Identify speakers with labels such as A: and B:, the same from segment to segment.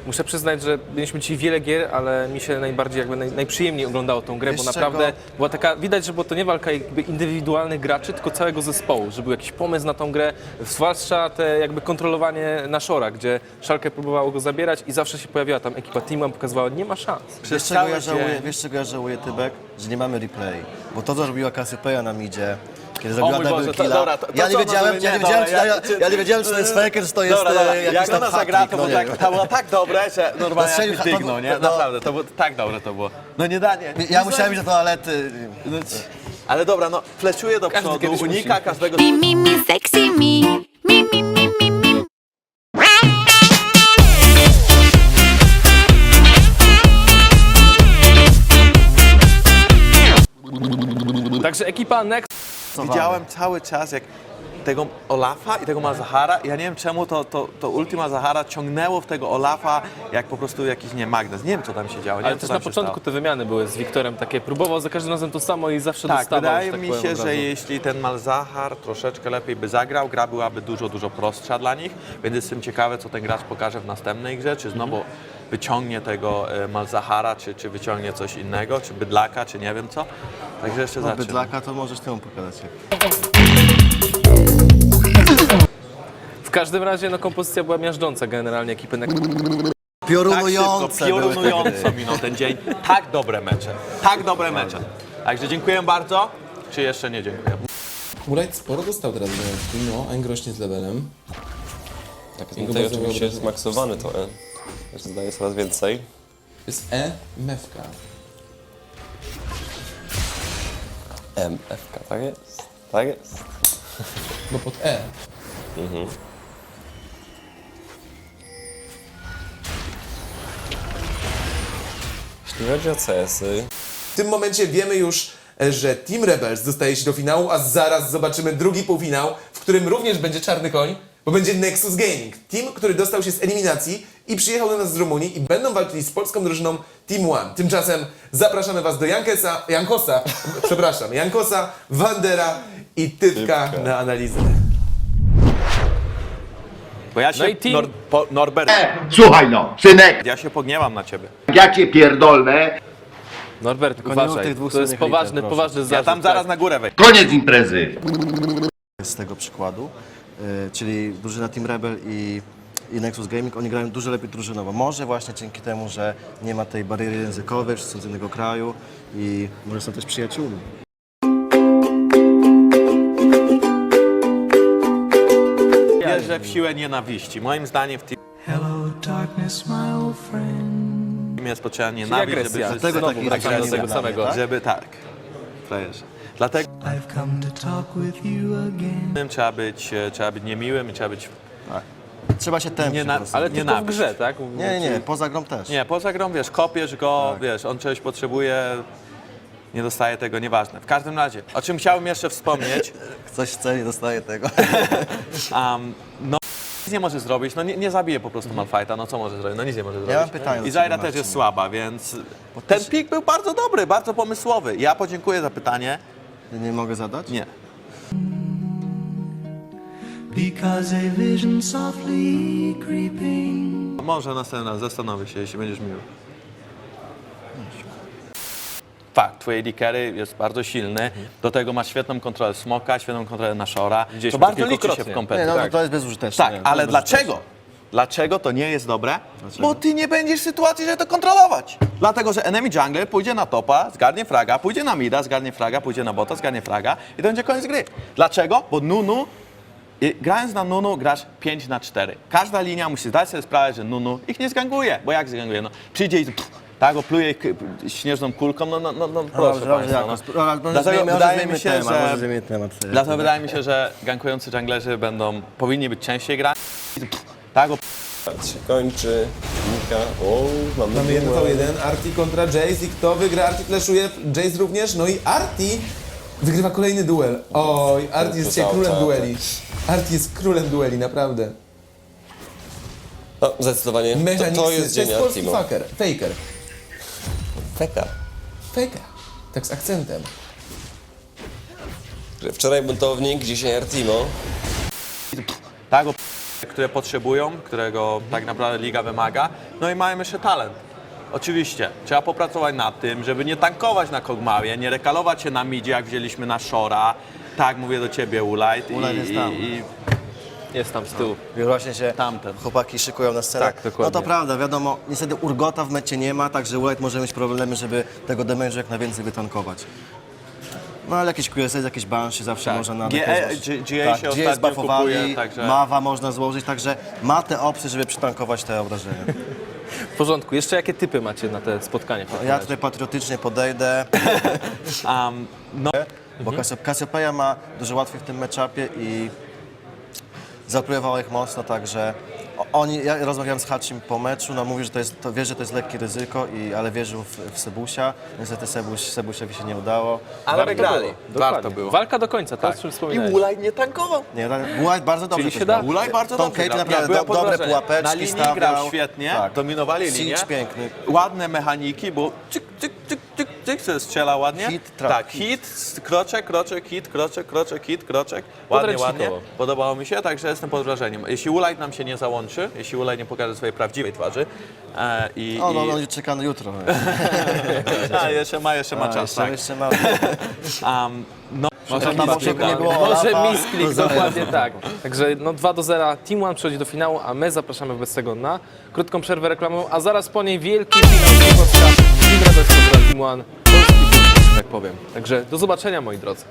A: muszę przyznać, że mieliśmy dzisiaj wiele gier, ale mi się najbardziej jakby najprzyjemniej oglądało tą grę,
B: Wiesz
A: bo naprawdę
B: czego?
A: była taka, widać, że było to nie walka jakby indywidualnych graczy, tylko całego zespołu, że był jakiś pomysł na tą grę, zwłaszcza te jakby kontrolowanie Nashora, gdzie Schalke próbowało go zabierać i zawsze się pojawiała tam ekipa Teamam, pokazywała, nie ma szans.
B: Wiesz czego ja żałuję, Tybek? Że nie mamy replay. Bo to, co robiła Cassiopeia na midzie, kiedy zrobiła
A: mój Boże,
B: double
A: to-
B: killa,
A: dobra, to
B: ja nie
A: co,
B: wiedziałem,
A: no,
B: ja
A: nie,
B: nie wiedziałem,
A: dobra,
B: ja nie wiedziałem, czy to jest faker, czy to jest jakiś
C: jak
B: tam
C: ona zagra,
B: hat-trick,
C: to
B: no
C: było,
B: nie wiem.
C: to było tak dobre, że normalnie
B: Strzelił
C: jak mi dygnął, nie?
B: no.
C: Naprawdę, to było tak dobre to było. No nie da, nie.
B: Ja musiałem iść do toalety.
C: Ale dobra, no fleszuje do
A: Każdy
C: przodu,
A: kiedyś
C: unika
A: musi.
C: każdego...
D: Me, me, me, sexy me. Me, me, me, me, me.
A: Także ekipa Next
C: Widziałem cały czas jak tego Olafa i tego Malzahara. Ja nie wiem czemu to Ultima Zahara ciągnęło w tego Olafa jak po prostu jakiś magnes. Nie wiem co tam się działo. Nie
A: ale
C: wiem, co
A: też
C: tam
A: na
C: się
A: początku
C: stało.
A: te wymiany były z Wiktorem takie, próbował za każdym razem to samo i zawsze
C: Tak,
A: dostawał.
C: wydaje
A: że tak
C: mi
A: powiem,
C: się,
A: od
C: że
A: razu.
C: jeśli ten Malzahar troszeczkę lepiej by zagrał, gra byłaby dużo prostsza dla nich, więc jestem ciekawy, co ten gracz pokaże w następnej grze, czy znowu wyciągnie tego Malzahara, czy wyciągnie coś innego, czy Bydlaka, czy nie wiem co. Także jeszcze zaczynam.
B: Bydlaka to możesz temu pokazać.
A: W każdym razie no, kompozycja była miażdżąca generalnie ekipy Next.
B: Piorunujące były te gry.
C: Piorunująco minął ten dzień. Tak dobre mecze. Tak dobre mecze. Także dziękuję bardzo. Czy jeszcze nie dziękuję?
E: Murajt sporo dostał teraz zajączki, no, Eng rośnie z levelem.
F: Tak,
E: Jego
F: tutaj
E: bardzo
F: oczywiście jest
E: wyobrażam.
F: maksowany to E. Też zdaje coraz więcej.
E: Jest E, mewka.
F: MFK, tak jest. Tak jest.
E: Bo pod E.
F: Jeśli chodzi o CS-y,
G: W tym momencie wiemy już, że Team Rebels dostaje się do finału, a zaraz zobaczymy drugi półfinał, w którym również będzie czarny koń, bo będzie Nexus Gaming. Team, który dostał się z eliminacji i przyjechał do nas z Rumunii i będą walczyli z polską drużyną Team One. Tymczasem zapraszamy Was do Jankosa, Wandera i Typka na analizę.
C: Bo ja się,
A: No i team-
C: Norbert,
H: Słuchaj no, synek,
C: ja się pogniewam na ciebie.
H: ja cię pierdolę.
A: Norbert,
B: nie mów
A: uważaj,
B: tych dwóch
A: to jest
B: słynnych liter,
A: poważny,
B: proszę.
A: poważny zarzut.
C: Ja tam zaraz
A: tak.
C: na górę wejdę.
H: Koniec imprezy.
B: Z tego przykładu, czyli drużyna Team Rebel i Nexus Gaming, oni grają dużo lepiej drużynowo. Może właśnie dzięki temu, że nie ma tej bariery językowej, że są z innego kraju i może są też przyjaciółmi.
C: Wierzę w siłę nienawiści. Moim zdaniem w teamie jest potrzebna nienawiść, żeby
A: agresja.
C: wszyscy
B: Dlatego taki
A: wracamy do
B: agresja
A: tego
B: dla mnie,
A: samego.
B: tak?
C: żeby tak. Frajerze. Dlatego trzeba być niemiłym i trzeba być...
B: Trzeba się tępić po prostu.
A: Ale tylko w
C: Nienawiść.
A: grze, tak?
B: Nie, poza grą też.
C: Nie, poza grą, wiesz, kopiesz go, wiesz, on czegoś potrzebuje, nie dostaje tego, nieważne. W każdym razie, o czym chciałbym jeszcze wspomnieć,
B: Ktoś chce, nie dostaje tego.
C: no nic nie może zrobić, no nie zabije po prostu Malfighta, no co może zrobić, no nic nie może zrobić.
B: mam pytanie do
C: I Zaira
B: ciebie,
C: też
B: Marcin.
C: jest słaba, więc ten pik był bardzo dobry, bardzo pomysłowy. Ja podziękuję za pytanie.
B: Nie mogę zadać?
C: Nie.
I: Because a vision softly creeping.
C: Może następny raz, zastanowię się, jeśli będziesz miły. Fakt, twój AD carry jest bardzo silny, do tego masz świetną kontrolę Smoka, świetną kontrolę Nashora,
A: Widzieliśmy
C: to
A: to
C: bardzo liczy się
A: kilkukrotnie.
C: w
B: Nie,
C: kompetencji.
B: no
A: tak.
B: to jest bezużyteczne.
C: Tak,
B: nie, to
C: ale
B: jest bezużyteczne.
C: dlaczego? Dlaczego to nie jest dobre? Bo ty nie będziesz w sytuacji, żeby to kontrolować. Dlatego, że enemy jungler pójdzie na topa, zgarnie fraga, pójdzie na mida, zgarnie fraga, pójdzie na bota, zgarnie fraga i to będzie koniec gry. Dlaczego? Bo Nunu, grając na Nunu grasz 5-4. Każda linia musi zdać sobie sprawę, że Nunu ich nie zganguje, bo jak zganguje? No, przyjdzie i tak opluje ich śnieżną kulką, no proszę
B: Dobrze,
C: państwa.
B: jakoś.
C: No.
B: Dlatego wydaje mi się, że...
C: Dlatego wydaje mi się, że gankujący junglerzy powinni być częściej grani. Tak,
F: się kończy. Nika. O,
G: Mamy 1v1, Arti kontra Jace i kto wygra? Arti flashuje, Jace również, no i Arti wygrywa kolejny duel. Oj, Arti jest dzisiaj królem dueli. Arti jest królem dueli, naprawdę.
F: No, zdecydowanie.
G: Mechaniksy,
F: To jest dzień
G: polski
F: Artimo.
G: faker, faker,
F: Feka.
G: faker, tak z akcentem.
F: Wczoraj buntownik, dzisiaj Artimo.
C: tak, które potrzebują, którego tak naprawdę liga wymaga. No i mają jeszcze talent. Oczywiście, trzeba popracować nad tym, żeby nie tankować na Kog'Mawie, nie rekalować się na midzie, jak wzięliśmy na Shora. Tak, mówię do ciebie, Ulajt.
B: Ulajt jest tam.
A: Jest tam z tyłu.
B: Już właśnie się
C: Tamten.
B: chłopaki szykują na scenę.
A: Tak, dokładnie.
B: No to prawda, wiadomo, niestety Urgota w mecie nie ma, także White może mieć problemy, żeby tego damage'u jak najwięcej wytankować. No ale jakieś QSS, jakieś Banshee zawsze można nadać.
C: GA się ostatnio
B: zbuffowali,
C: kupuje, także...
B: Mawa można złożyć, także ma te opcje, żeby przytankować te obrażenia.
A: W porządku. Jeszcze jakie typy macie na te spotkanie?
B: Ja tutaj patriotycznie podejdę, bo Cassiopeia ma dużo łatwiej w tym matchupie i zaplujewała ich mocno, także ja rozmawiałem z Hachim po meczu, no mówi, że wie, że to jest lekkie ryzyko, ale wierzył w Sebusia. Niestety Sebusiowi się nie udało.
C: Ale wygrali.
A: Warto było. Walka do końca, to o czym
C: I
A: wspominałeś.
C: Ulajt nie tankował.
B: Nie, White bardzo dobrze
A: Czyli się
B: też
A: da.
B: grał.
C: Ulajt bardzo
B: Tom
C: dobrze
B: Cage
C: grał.
B: naprawdę
C: Byłem pod
B: dobre
C: wrażeniem.
B: pułapeczki
C: Na linii
B: stawiał.
C: grał świetnie,
B: Tak.
C: dominowali linię.
B: Siege piękny.
C: Ładne mechaniki, bo cyk, cyk, cyk, cyk, cyk, se strzela ładnie.
B: Hit, trap,
C: tak, kroczek, hit, kroczek. Ładnie, ładnie.
A: Podręcznikowo.
C: Podobało mi się, także jestem pod wrażeniem. Jeśli Ulajt nam się nie załączy, jeśli Ulajt nie pokaże swojej prawdziwej twarzy
B: On czeka na jutro.
C: jeszcze ma czas, tak.
B: Jeszcze ma.
C: Może
B: Tam
C: misklika.
B: nie było
A: Może
B: Olafa,
A: misklik,
B: to
A: dokładnie tak. Także no 2-0 Team One przechodzi do finału, a my zapraszamy wobec tego na krótką przerwę reklamową, a zaraz po niej wielki finał Polska Team Rebels kontra Team One, polski film, że tak powiem. Także do zobaczenia, moi drodzy.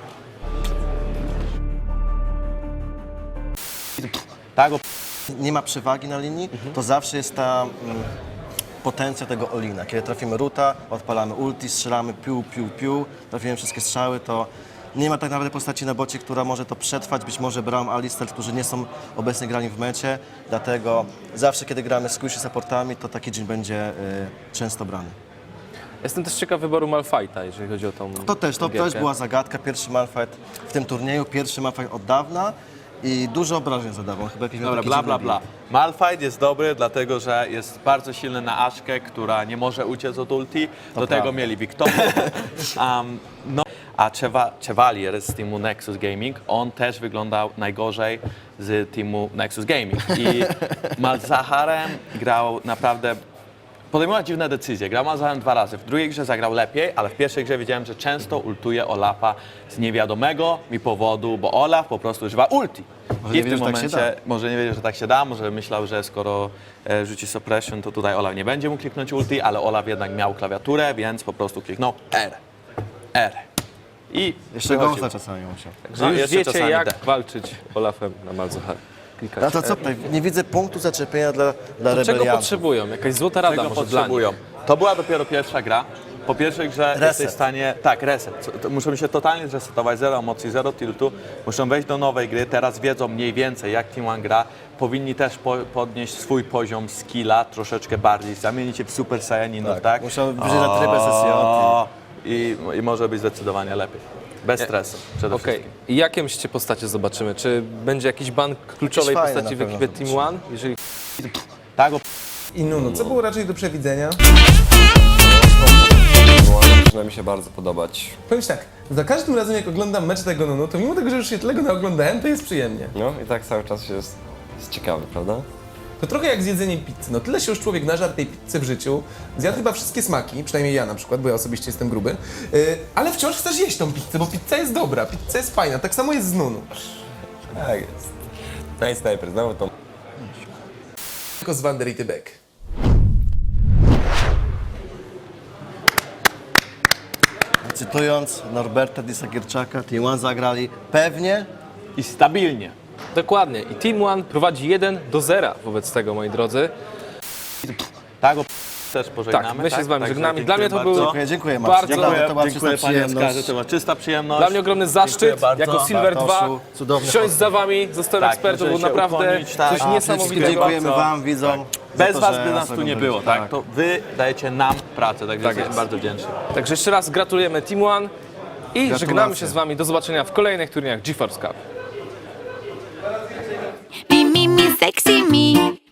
C: Tak,
B: Nie ma przewagi na linii, to zawsze jest ta potencja tego Olina. Kiedy trafimy Ruta, odpalamy ulti, strzelamy piu, trafimy wszystkie strzały, to nie ma tak naprawdę postaci na bocie, która może to przetrwać, być może Braum, Alistar, którzy nie są obecnie grani w mecie, dlatego zawsze kiedy gramy z squishy supportami, to taki Jhin będzie często brany.
A: Jestem też ciekaw wyboru Malphite'a, jeżeli chodzi o tą
B: To też
A: gierkę.
B: była zagadka, pierwszy Malphite w tym turnieju, pierwszy Malphite od dawna i dużo obrażeń zadawał, chyba jakiś miał
C: Dobra,
B: taki
C: bla,
B: dziwny
C: bla, bla.
B: build.
C: Malphite jest dobry, dlatego że jest bardzo silny na Aszkę, która nie może uciec od ulti. Do tego mieli Victor. A Chevalier z teamu Nexus Gaming, on też wyglądał najgorzej z teamu Nexus Gaming. I Malzaharem grał naprawdę... Podejmował dziwne decyzje. Grał Malzaharem 2 razy. W drugiej grze zagrał lepiej, ale w pierwszej grze wiedziałem, że często ultuje Olafa z niewiadomego mi powodu, bo Olaf po prostu używa ulti.
B: Może
C: I
B: nie
C: w tym
B: wiedział, że tak się
C: momencie może nie wiedział, że tak się da, może myślał, że skoro rzuci suppression, to tutaj Olaf nie będzie mógł kliknąć ulti, ale Olaf jednak miał klawiaturę, więc po prostu kliknął R. I
B: Jeszcze
C: wychodził.
B: gąsla czasami musiał.
A: Że już
C: jeszcze
A: wiecie,
C: czasami
A: jak
C: D.
A: walczyć Olafem na Malzahar.
B: No to co tutaj? Nie widzę punktu zaczepienia dla
A: Czego
B: rebeliantów.
A: potrzebują? Jakaś złota rada
C: Czego
A: może
C: potrzebują? To była dopiero pierwsza gra. Po pierwszej grze
B: Reset.
C: jesteś w stanie... Tak, reset. Muszą się totalnie zresetować, zero emocji, zero tiltu. Muszą wejść do nowej gry, teraz wiedzą mniej więcej jak Team One gra. Powinni też podnieść swój poziom skilla troszeczkę bardziej, zamienić się w Super Saiyaninów, tak?
B: Muszą wyjść na trybę SSJ.
C: I może być zdecydowanie lepiej. Bez stresu przede
A: Okej.
C: wszystkim.
A: I jakie myślicie postacie zobaczymy? Czy będzie jakiś ban kluczowej
B: Jakieś fajne
A: postaci w
B: na pewno
A: ekipie Team One? Jeżeli
C: Tak,
J: I Nunu, co było raczej do przewidzenia?
F: Zaczyna mi się bardzo podobać.
J: Powiem ci tak, za każdym razem jak oglądam mecz tego Nunu, to mimo tego, że już się tyle go naoglądałem, to jest przyjemnie.
F: No i tak cały czas jest ciekawy, prawda?
J: To trochę jak z jedzeniem pizzy. No tyle się już człowiek nażarł tej pizzy w życiu, zjadł chyba wszystkie smaki, przynajmniej ja na przykład, bo ja osobiście jestem gruby, ale wciąż chcesz jeść tą pizzę, bo pizza jest dobra, pizza jest fajna, tak samo jest z Nunu.
F: Tak jest. Nice Sniper, znowu to.
J: Tylko z Wander i Tybek.
B: Cytując Norberta Disagierczaka, Team One zagrali pewnie.
C: i stabilnie.
A: Dokładnie. I Team One prowadzi 1-0 wobec tego, moi drodzy.
C: Tak, też pożegnamy.
A: Tak, my się z wami
C: Także
A: żegnamy. Dla mnie to
C: dziękuję
A: był
C: bardzo.
B: Dziękuję Marcin.
A: bardzo-
B: Naprawdę to była
C: Dziękuję
B: czysta
C: panie
B: przyjemność.
C: Oskarze, to była czysta przyjemność.
A: Dla mnie ogromny zaszczyt,
C: Dziękuję bardzo.
A: jako Silver 2,
B: Bartoszu, cudowny
A: siąść
B: podcast.
A: za wami, zostałem
C: Tak,
A: ekspertem,
C: możemy
A: był
C: się
A: naprawdę
C: ukłonić, tak.
A: coś
C: A,
A: niesamowitego.
B: Dziękujemy wam, widzom. za
C: Bez
B: to,
C: was
B: że
C: by nas tu nie było, tak? To wy dajecie nam pracę, także jesteśmy
A: jest.
C: bardzo wdzięczni.
A: Także jeszcze raz gratulujemy Team One i żegnamy się z wami. Do zobaczenia w kolejnych turniejach GeForce Cup.
D: Me, me, me, sexy me.